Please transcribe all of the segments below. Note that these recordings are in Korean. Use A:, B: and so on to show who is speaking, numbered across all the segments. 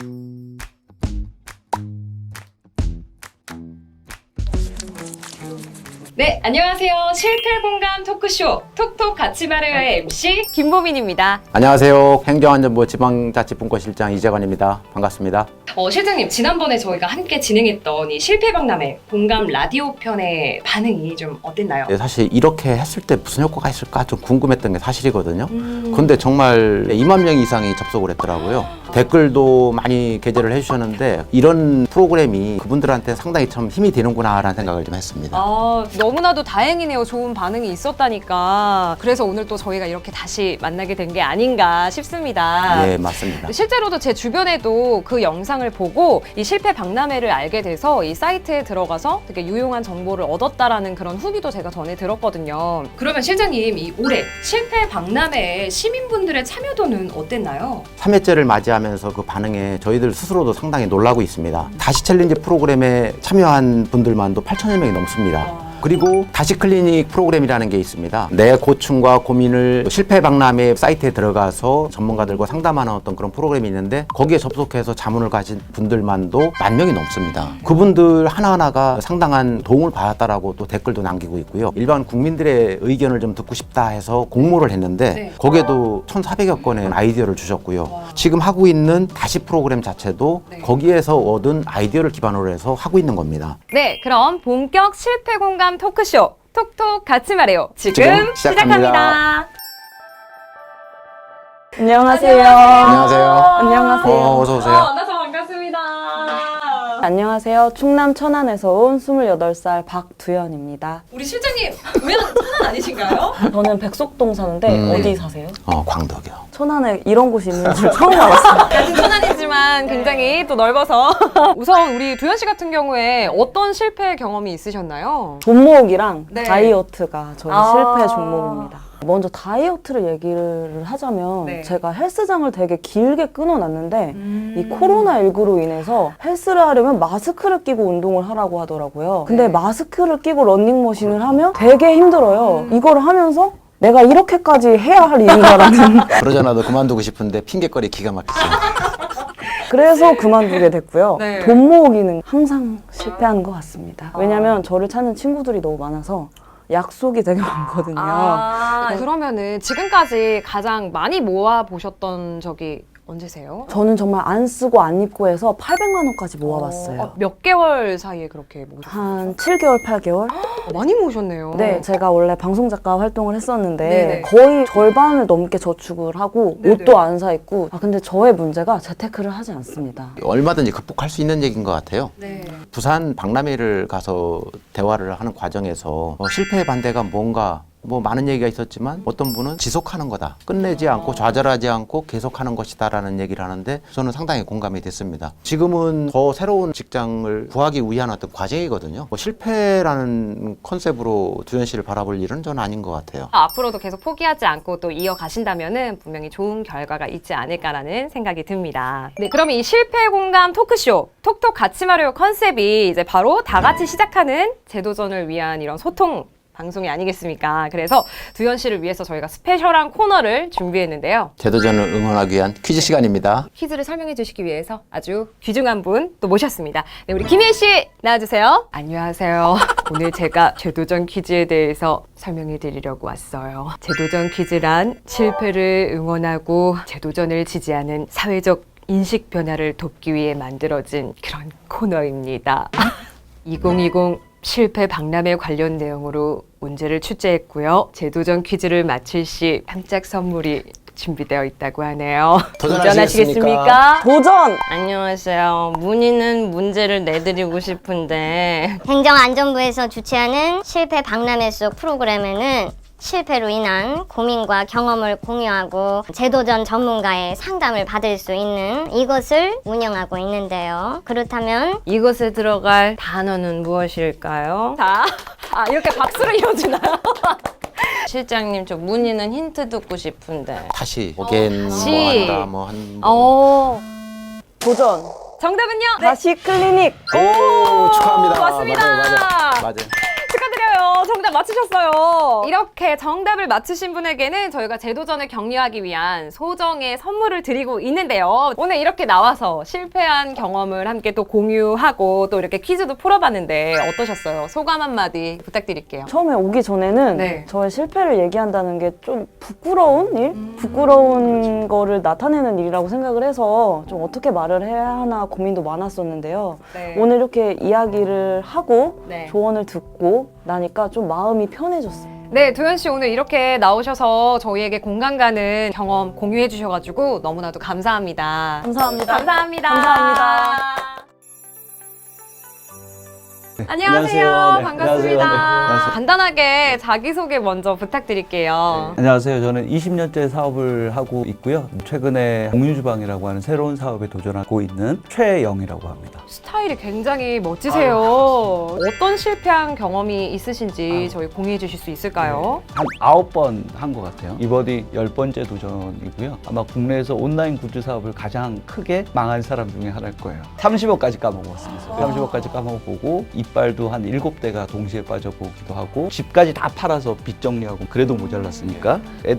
A: 네, 안녕하세요. 실패 공감 토크쇼 톡톡 같이 말해요의 MC 김보민입니다.
B: 안녕하세요. 행정안전부 지방자치분과실장 이재관입니다. 반갑습니다.
A: 실장님, 지난번에 저희가 함께 진행했던 이 실패박람회 공감 라디오 편의 반응이 좀 어땠나요?
B: 네, 사실 이렇게 했을 때 무슨 효과가 있을까 좀 궁금했던 게 사실이거든요. 근데 정말 2만 명 이상이 접속을 했더라고요. 댓글도 많이 게재를 해주셨는데 이런 프로그램이 그분들한테 상당히 참 힘이 되는구나라는 생각을 좀 했습니다.
A: 너무나도 다행이네요. 좋은 반응이 있었다니까. 그래서 오늘 또 저희가 이렇게 다시 만나게 된 게 아닌가 싶습니다.
B: 네, 맞습니다.
A: 실제로도 제 주변에도 그 영상을 보고 이 실패 박람회를 알게 돼서 이 사이트에 들어가서 되게 유용한 정보를 얻었다라는 그런 후기도 제가 전에 들었거든요. 그러면 실장님, 이 올해 실패 박람회에 시민분들의 참여도는 어땠나요?
B: 3회째를 맞이하면서 그 반응에 저희들 스스로도 상당히 놀라고 있습니다. 다시 챌린지 프로그램에 참여한 분들만도 8천여 명이 넘습니다. 그리고 다시 클리닉 프로그램이라는 게 있습니다. 내 고충과 고민을 실패 박람회 사이트에 들어가서 전문가들과 상담하는 어떤 그런 프로그램이 있는데 거기에 접속해서 자문을 가진 분들만도 10,000명이 넘습니다. 그분들 하나하나가 상당한 도움을 받았다라고 또 댓글도 남기고 있고요. 일반 국민들의 의견을 좀 듣고 싶다 해서 공모를 했는데 거기에도 1,400여 건의 아이디어를 주셨고요. 지금 하고 있는 다시 프로그램 자체도 거기에서 얻은 아이디어를 기반으로 해서 하고 있는 겁니다.
A: 네, 그럼 본격 실패 공감 토크쇼 톡톡 같이 말해요. 지금 시작합니다.
C: 안녕하세요.
B: 안녕하세요.
C: 안녕하세요.
B: 어서 오세요.
A: 만나서 반갑습니다.
C: 안녕하세요. 충남 천안에서 온 28살 박두현입니다.
A: 우리 실장님, 왜 천안 아니신가요?
C: 저는 백석동 사는데 어디 사세요?
B: 광덕이요.
C: 천안에 이런 곳이 있는 줄 처음 알았어요.
A: 같은 천안이지만 굉장히 또 넓어서 우선 우리 두현 씨 같은 경우에 어떤 실패 경험이 있으셨나요?
C: 돈 모으기랑
A: 네.
C: 다이어트가 저희 실패 종목입니다. 먼저 다이어트를 얘기를 하자면 제가 헬스장을 되게 길게 끊어놨는데 이 코로나19로 인해서 헬스를 하려면 마스크를 끼고 운동을 하라고 하더라고요. 근데 마스크를 끼고 러닝머신을 하면 되게 힘들어요. 이걸 하면서 내가 이렇게까지 해야 할 일인가라는
B: 그러잖아도 그만두고 싶은데 핑계거리 기가 막히죠.
C: 그래서 그만두게 됐고요.
A: 네.
C: 돈 모으기는 항상 실패하는 것 같습니다. 왜냐면 저를 찾는 친구들이 너무 많아서 약속이 되게 많거든요.
A: 그러면은 지금까지 가장 많이 모아 보셨던 적이 언제세요?
C: 저는 정말 안 쓰고 안 입고 해서 800만 원까지 모아봤어요.
A: 몇 개월 사이에 그렇게 모으셨어요?
C: 한 7개월, 8개월?
A: 많이 모으셨네요.
C: 네, 제가 원래 방송작가 활동을 했었는데
A: 네네.
C: 거의 절반을 넘게 저축을 하고
A: 네네.
C: 옷도 안 사 입고 근데 저의 문제가 재테크를 하지 않습니다.
B: 얼마든지 극복할 수 있는 얘기인 것 같아요.
A: 네.
B: 부산 박람회를 가서 대화를 하는 과정에서 실패의 반대가 뭔가 많은 얘기가 있었지만 어떤 분은 지속하는 거다. 끝내지 않고 좌절하지 않고 계속하는 것이다라는 얘기를 하는데 저는 상당히 공감이 됐습니다. 지금은 더 새로운 직장을 구하기 위한 어떤 과정이거든요. 실패라는 컨셉으로 두현 씨를 바라볼 일은 저는 아닌 것 같아요.
A: 앞으로도 계속 포기하지 않고 또 이어가신다면은 분명히 좋은 결과가 있지 않을까라는 생각이 듭니다. 네, 그럼 이 실패 공감 토크쇼 톡톡 같이 말해요 컨셉이 이제 바로 다 같이 시작하는 재도전을 위한 이런 소통 방송이 아니겠습니까? 그래서 두현 씨를 위해서 저희가 스페셜한 코너를 준비했는데요.
B: 재도전을 응원하기 위한 퀴즈 시간입니다.
A: 퀴즈를 설명해 주시기 위해서 아주 귀중한 분 또 모셨습니다. 네, 우리 김혜희 씨 나와주세요. 안녕하세요. 오늘 제가 재도전 퀴즈에 대해서 설명해 드리려고 왔어요. 재도전 퀴즈란 실패를 응원하고 재도전을 지지하는 사회적 인식 변화를 돕기 위해 만들어진 그런 코너입니다. 2020 실패 박람회 관련 내용으로 문제를 출제했고요. 재도전 퀴즈를 마칠 시 깜짝 선물이 준비되어 있다고 하네요. 도전하시겠습니까?
C: 도전!
D: 안녕하세요. 문희는 문제를 내드리고 싶은데
E: 행정안전부에서 주최하는 실패 박람회 속 프로그램에는 실패로 인한 고민과 경험을 공유하고 재도전 전문가의 상담을 받을 수 있는 이것을 운영하고 있는데요. 그렇다면
D: 이것에 들어갈 단어는 무엇일까요?
A: 자, 이렇게 박수를 이어주나요?
D: 실장님, 저 문희는 힌트 듣고 싶은데.
B: 다시 again
D: 다시.
B: 뭐 한다 뭐 한
C: 도전!
A: 정답은요?
C: 다시 클리닉!
B: 오, 축하합니다.
A: 맞습니다.
B: 맞아요.
A: 축하드려요. 정답 맞추셨어요. 이렇게 정답을 맞추신 분에게는 저희가 재도전을 격려하기 위한 소정의 선물을 드리고 있는데요. 오늘 이렇게 나와서 실패한 경험을 함께 또 공유하고 또 이렇게 퀴즈도 풀어봤는데 어떠셨어요? 소감 한마디 부탁드릴게요.
C: 처음에 오기 전에는
A: 네.
C: 저의 실패를 얘기한다는 게 좀 부끄러운 일? 부끄러운 거를 나타내는 일이라고 생각을 해서 좀 어떻게 말을 해야 하나 고민도 많았었는데요.
A: 네.
C: 오늘 이렇게 이야기를 하고
A: 네.
C: 조언을 듣고 나니까 좀 마음이 편해졌어요.
A: 네, 도현 씨 오늘 이렇게 나오셔서 저희에게 공감 가는 경험 공유해 주셔가지고 너무나도 감사합니다.
C: 감사합니다.
A: 감사합니다.
C: 감사합니다.
A: 안녕하세요.
F: 안녕하세요. 네,
A: 반갑습니다.
F: 안녕하세요. 네, 안녕하세요.
A: 간단하게 자기소개 먼저 부탁드릴게요.
F: 안녕하세요. 저는 20년째 사업을 하고 있고요. 최근에 공유주방이라고 하는 새로운 사업에 도전하고 있는 최영이라고 합니다.
A: 스타일이 굉장히 멋지세요. 어떤 실패한 경험이 있으신지 저희 공유해 주실 수 있을까요?
F: 한 9번 한 것 같아요. 이번이 10번째 도전이고요. 아마 국내에서 온라인 굿즈 사업을 가장 크게 망한 사람 중에 하나일 거예요. 30억까지 까먹었습니다. 30억까지 까먹어보고 이빨도 한 7대가 동시에 빠져보기도 하고 집까지 다 팔아서 빚 정리하고 그래도 모자랐으니까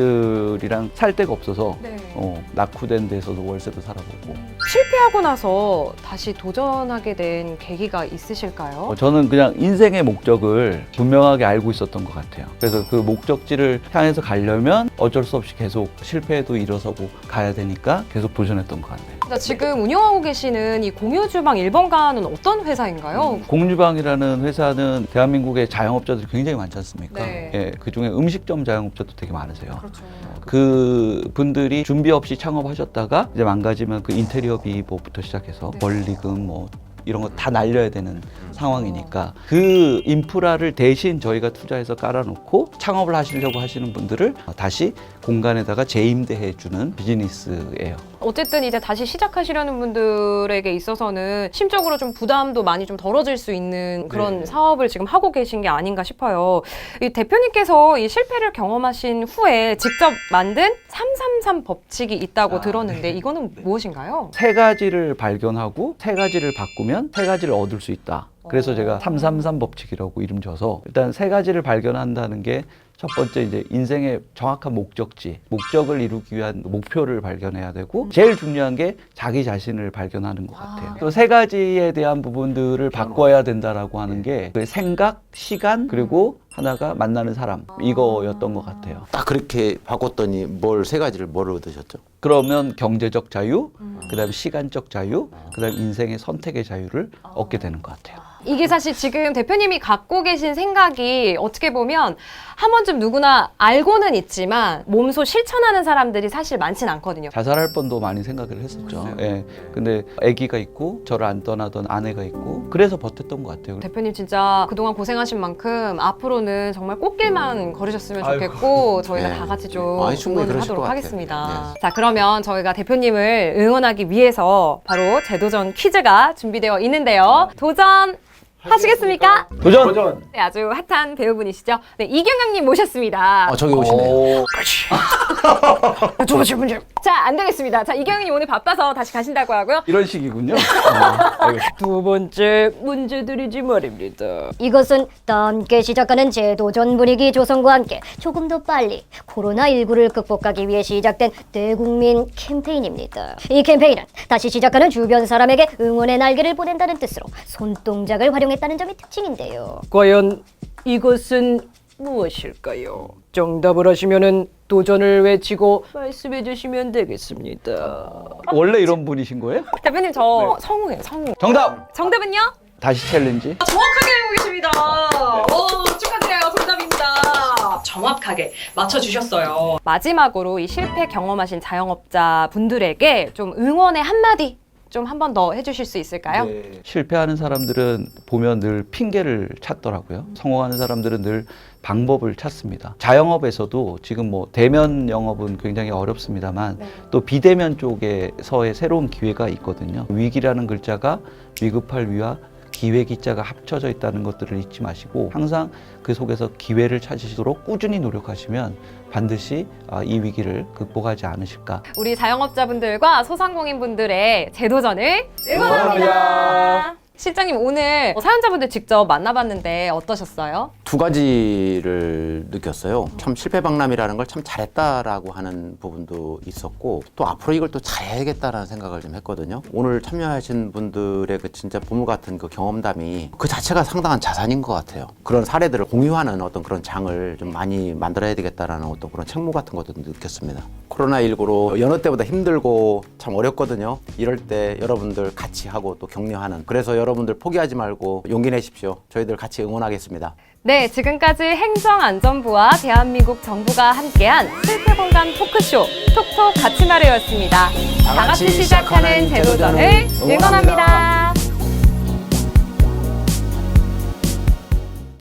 F: 애들이랑 살 데가 없어서
A: 네.
F: 낙후된 데서도 월세도 살아보고
A: 실패하고 나서 다시 도전하게 된 계기가 있으실까요?
F: 저는 그냥 인생의 목적을 분명하게 알고 있었던 것 같아요. 그래서 그 목적지를 향해서 가려면 어쩔 수 없이 계속 실패에도 일어서고 가야 되니까 계속 도전했던 것 같네요.
A: 지금 운영하고 계시는 이 공유주방 1번가는 어떤 회사인가요?
F: 공유방이라는 회사는 대한민국의 자영업자들이 굉장히 많지 않습니까?
A: 네.
F: 예, 그중에 음식점 자영업자도 되게 많으세요.
A: 그렇죠.
F: 그 분들이 준비 없이 창업하셨다가 이제 망가지면 그 인테리어비 뭐부터 시작해서
A: 네.
F: 원리금 뭐 이런 거 다 날려야 되는 상황이니까 그 인프라를 대신 저희가 투자해서 깔아놓고 창업을 하시려고 하시는 분들을 다시 공간에다가 재임대해 주는 비즈니스예요.
A: 어쨌든 이제 다시 시작하시려는 분들에게 있어서는 심적으로 좀 부담도 많이 좀 덜어질 수 있는 그런
F: 네.
A: 사업을 지금 하고 계신 게 아닌가 싶어요. 이 대표님께서 이 실패를 경험하신 후에 직접 만든 333 법칙이 있다고 들었는데 이거는 무엇인가요?
F: 세 가지를 발견하고 세 가지를 바꾸면 세 가지를 얻을 수 있다. 그래서 제가 333 법칙이라고 이름 줘서 일단 세 가지를 발견한다는 게 첫 번째 이제 인생의 정확한 목적지, 목적을 이루기 위한 목표를 발견해야 되고 제일 중요한 게 자기 자신을 발견하는 것 같아요. 또 세 가지에 대한 부분들을 바꿔야 된다라고 하는 게 그 생각, 시간 그리고 하나가 만나는 사람 이거였던 것 같아요.
B: 딱 그렇게 바꿨더니 세 가지를 뭘 얻으셨죠?
F: 그러면 경제적 자유, 그다음에 시간적 자유, 그다음에 인생의 선택의 자유를 얻게 되는 것 같아요.
A: 이게 사실 지금 대표님이 갖고 계신 생각이 어떻게 보면 한 번쯤 누구나 알고는 있지만 몸소 실천하는 사람들이 사실 많진 않거든요.
F: 자살할 뻔도 많이 생각을 했었죠. 예. 근데 아기가 있고 저를 안 떠나던 아내가 있고 그래서 버텼던 것 같아요.
A: 대표님 진짜 그동안 고생하신 만큼 앞으로는 정말 꽃길만 걸으셨으면 좋겠고 저희가
B: 네.
A: 다 같이 좀
B: 아니, 충분히
A: 응원을
B: 그러실
A: 하도록
B: 것 같아요.
A: 하겠습니다. 자, 그러면 저희가 대표님을 응원하기 위해서 바로 재도전 퀴즈가 준비되어 있는데요. 도전 하시겠습니까?
F: 도전!
A: 네, 아주 핫한 배우분이시죠. 네, 이경영님 모셨습니다.
B: 저기 오시네요.
A: 두 번째 문제. 자, 안 되겠습니다. 자, 이경영님 오늘 바빠서 다시 가신다고 하고요.
F: 이런 식이군요.
A: 두 번째 문제 드리지 말입니다.
E: 이것은 함께 시작하는 재도전 분위기 조성과 함께 조금 더 빨리 코로나19를 극복하기 위해 시작된 대국민 캠페인입니다. 이 캠페인은 다시 시작하는 주변 사람에게 응원의 날개를 보낸다는 뜻으로 손동작을 활용했다는 점이 특징인데요.
A: 과연 이것은 무엇일까요? 정답을 하시면은 도전을 외치고 말씀해 주시면 되겠습니다.
F: 원래 이런 분이신 거예요?
A: 대표님 저 성우예요, 성우.
F: 정답!
A: 정답은요?
F: 다시 챌린지.
A: 정확하게 알고 계십니다. 오, 축하드려요. 정답입니다. 정확하게 맞춰주셨어요. 마지막으로 이 실패 경험하신 자영업자 분들에게 좀 응원의 한마디 좀 한 번 더 해주실 수 있을까요?
F: 실패하는 사람들은 보면 늘 핑계를 찾더라고요. 성공하는 사람들은 늘 방법을 찾습니다. 자영업에서도 지금 뭐 대면 영업은 굉장히 어렵습니다만 또 비대면 쪽에서의 새로운 기회가 있거든요. 위기라는 글자가 위급할 위와 기회 기자가 합쳐져 있다는 것들을 잊지 마시고 항상 그 속에서 기회를 찾으시도록 꾸준히 노력하시면 반드시 이 위기를 극복하지 않으실까.
A: 우리 자영업자분들과 소상공인분들의 재도전을 응원합니다. 실장님 오늘 사연자분들 직접 만나봤는데 어떠셨어요?
B: 두 가지를 느꼈어요. 참 실패 박람이라는 걸 참 잘했다라고 하는 부분도 있었고 또 앞으로 이걸 또 잘해야겠다라는 생각을 좀 했거든요. 오늘 참여하신 분들의 그 진짜 보물 같은 그 경험담이 그 자체가 상당한 자산인 것 같아요. 그런 사례들을 공유하는 어떤 그런 장을 좀 많이 만들어야 되겠다라는 어떤 그런 책무 같은 것도 느꼈습니다. 코로나19로 여느 때보다 힘들고 참 어렵거든요. 이럴 때 여러분들 같이 하고 또 격려하는, 그래서 여러분들 포기하지 말고 용기 내십시오. 저희들 같이 응원하겠습니다.
A: 네, 지금까지 행정안전부와 대한민국 정부가 함께한 실패 공감 토크쇼 톡톡 같이 말해였습니다. 다 같이 시작하는 제도전을 응원합니다.